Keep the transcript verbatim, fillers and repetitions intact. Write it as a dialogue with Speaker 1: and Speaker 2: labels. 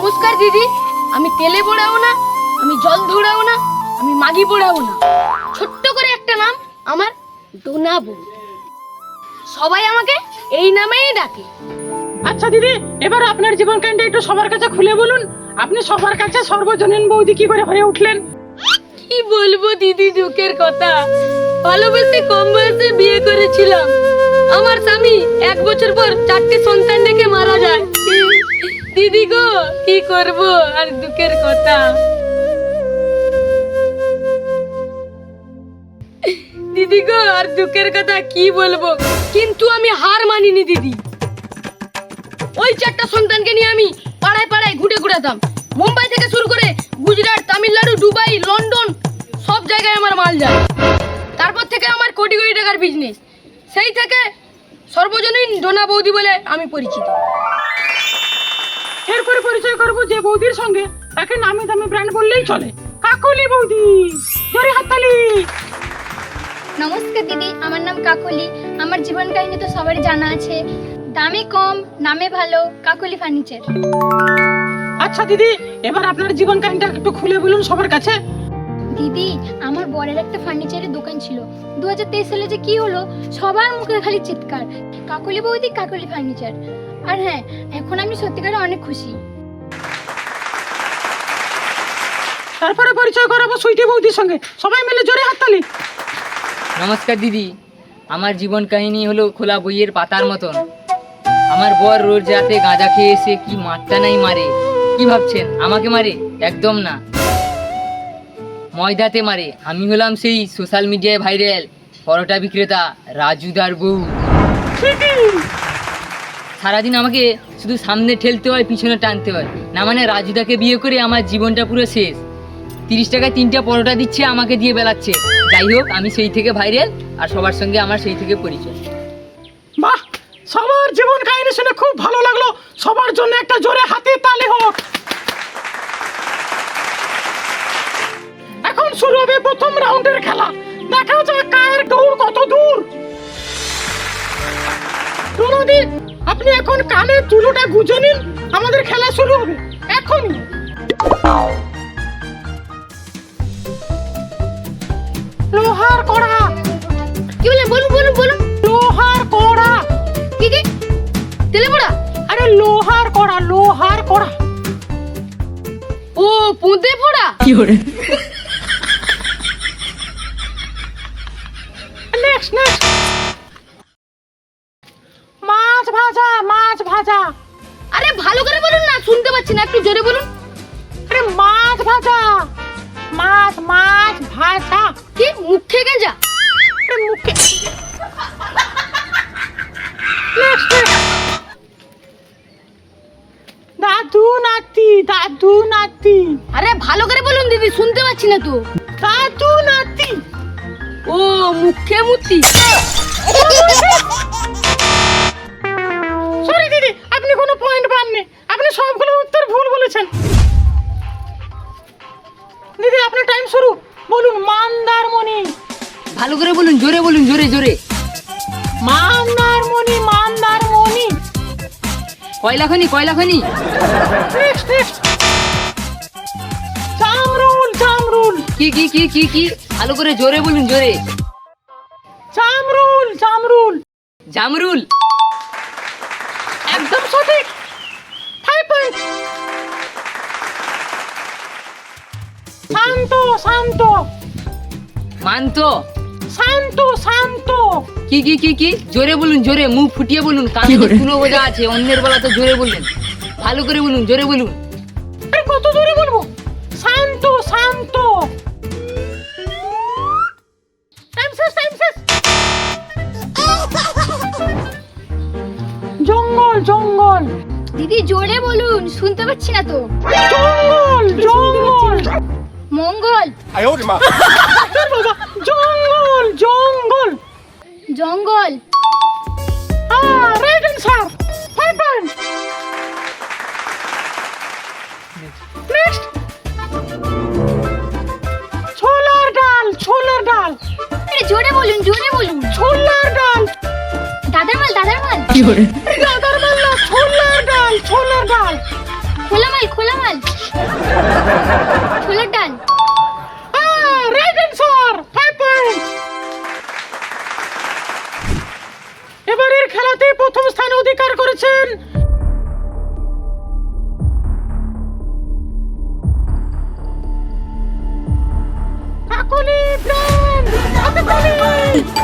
Speaker 1: নমস্কার দিদি, আমি তেলে পোড়াও না, আমি জল ধরাও না, আমি মাগি পোড়াও না। ছোট্ট করে একটা নাম আমার, ডোনা বউ। সবাই আমাকে এই নামেই ডাকে।
Speaker 2: আচ্ছা দিদি, এবার আপনার জীবন কাহিনীটা একটু সবার কাছে খুলে বলুন। আপনি সবার কাছে সর্বজনীন বৌদি কি করে হয়ে উঠলেন?
Speaker 1: কি বলবো দিদি, দুঃখের কথা। ভালোবেসে কম বয়সে বিয়ে করেছিলাম। আমার স্বামী এক বছর পর চারটে সন্তান রেখে মারা যায়। দিদি গো, কি করব, আর দুঃখের কথা। দিদি গো, আর দুঃখের কথা কি বলবো, কিন্তু আমি হার মানিনি দিদি। ওই চারটা সন্তানকে নিয়ে আমি পাড়ায় পাড়ায় ঘুরে ঘুরাতাম। মুম্বাই থেকে শুরু করে গুজরাট, তামিলনাড়ু, দুবাই, লন্ডন, সব জায়গায় আমার মাল যায়। তারপর থেকে আমার কোটি কোটি টাকার বিজনেস। সেই থেকে সর্বজনীন ডোনা বৌদি বলে আমি পরিচিত।
Speaker 2: এরপরে পরিচয় করব যে বৌদির সঙ্গে, তাকে নামি দামি ব্র্যান্ড বললেই চলে, কাকলি বৌদি। জোরে হাততালি।
Speaker 3: নমস্কার দিদি, আমার নাম কাকলি। আমার জীবন কাহিনী তো সবারই জানা আছে। দামে কম, নামে ভালো, কাকলি ফার্নিচার।
Speaker 2: আচ্ছা দিদি, এবার আপনার জীবন কাহিনীটা একটু খুলে বলুন সবার কাছে।
Speaker 3: দিদি, আমার বরের একটা ফার্নিচারের দোকান ছিল। দু হাজার তেইশ সালে যে কি হলো, সবার মুখে খালি চিৎকার, কাকলি বৌদি, কাকলি ফার্নিচার। আর হ্যাঁ, এখন আমি সত্যিকারে অনেক খুশি।
Speaker 2: তারপরে পরিচয় করাবো সুইটি বৌদির সঙ্গে, সবাই মিলে জোরে হাততালি।
Speaker 4: নমস্কার দিদি, আমার জীবন কাহিনী হলো খোলা বইয়ের পাতার মতন। আমার বর রোজ রাতে গাঁজা খেয়ে এসে কি মারটা নাই মারে। কি ভাবছেন আমাকে মারে? একদম না, ময়দাতে মারে। আমি হলাম সেই সোশ্যাল মিডিয়ায় ভাইরাল পরোটা বিক্রেতা রাজুদার বউ। সারাদিন আমাকে শুধু সামনে ঠেলতে হয়, পিছনে টানতে হয়। না মানে রাজুদাকে বিয়ে করে আমার জীবনটা পুরো শেষ। তিরিশ টাকায় তিনটা পরোটা দিচ্ছে, আমাকে দিয়ে বেলাচ্ছে। যাই হোক, আমি সেই থেকে ভাইরাল, আর সবার সঙ্গে আমার সেই থেকে পরিচয়।
Speaker 2: বাহ, সবার জীবন কাহিনী শুনে খুব ভালো লাগলো। সবার জন্য একটা জোরে হাতে তালি হোক। এখন শুরু হবে প্রথম রাউন্ডের খেলা। দেখা যাক কার দৌড় কত দূর। রুনদি, আপনি এখন কানে তুলোটা গুজে নিন, আমাদের খেলা শুরু হবে এখনই। লোহার কড়া।
Speaker 1: কি বলে? বলুন বলুন বলুন।
Speaker 2: লোহার কড়া।
Speaker 1: কি কি? তেলে পোড়া?
Speaker 2: আরে লোহার কড়া, লোহার কড়া।
Speaker 1: ও, পুঁতে পোড়া।
Speaker 2: কি করে? Next next. মাছ ভাজা, মাছ ভাজা।
Speaker 1: আরে ভালো করে বলুন না, শুনতে পাচ্ছি না, একটু জোরে বলুন।
Speaker 2: আরে মাছ ভাজা, মাছ মাছ ভাজা।
Speaker 1: কি মুখে গেঁজা?
Speaker 2: আরে মুখে। Next next. দাদু নাতি, দাদু নাতি।
Speaker 1: আরে ভালো করে বলুন দিদি, শুনতে পাচ্ছি না তো।
Speaker 2: দাদু নাতি।
Speaker 1: ও, মুখে মুতি।
Speaker 2: সরি দিদি, আপনি কোনো পয়েন্ট পাননি। আপনি সবগুলো উত্তর ভুল বলেছেন। দিদি, আপনার টাইম শুরু। বলুন মান্দারমণি।
Speaker 4: ভালো করে বলুন, জোরে বলুন, জোরে জোরে।
Speaker 2: মান্দারমণি, মান্দারমণি।
Speaker 4: কয়লা খনি, কয়লা খনি।
Speaker 2: Next next. জামরুল, জামরুল।
Speaker 4: কি কি কি কি কি? ভালো করে জোরে বলুন, জোরে।
Speaker 2: জামরুল, জামরুল।
Speaker 4: জামরুল।
Speaker 2: একদম সঠিক। Five point. শান্ত, শান্ত।
Speaker 4: মান্ত।
Speaker 2: শান্ত, শান্ত।
Speaker 4: কি কি কি কি? জোরে বলুন, জোরে, মুখ ফুটিয়ে বলুন। কানে তুলো বোঝা আছে, অন্যের বলা তো জোরে বললেন। ভালো করে বলুন, জোরে বলুন।
Speaker 2: আরে কত জোরে বলবো? শান্ত, শান্ত। টাইম শেষ, টাইম শেষ। জঙ্গল, জঙ্গল।
Speaker 3: দিদি জোরে বলুন, শুনতে পাচ্ছি না তো।
Speaker 2: জঙ্গল, জঙ্গল।
Speaker 3: মঙ্গল।
Speaker 2: বাবা, জঙ্গল, জঙ্গল।
Speaker 3: জঙ্গল।
Speaker 2: হ্যাঁ, right answer. Five point. Next. ছোলার ডাল, ছোলার ডাল।
Speaker 3: আরে জোরে বলুন, জোরে বলুন।
Speaker 2: ছোলার ডাল।
Speaker 3: দাদার মাল, দাদার মাল।
Speaker 2: দাদার মাল না, ছোলার ডাল, ছোলার ডাল।
Speaker 3: খোলা মাল, মাল খোলা মাল ছোলার ডাল।
Speaker 2: Right answer, five point. এবারের খেলাতে প্রথম স্থান অধিকার করেছেন কাকলি ব্র্যান্ড। হাতে তালি।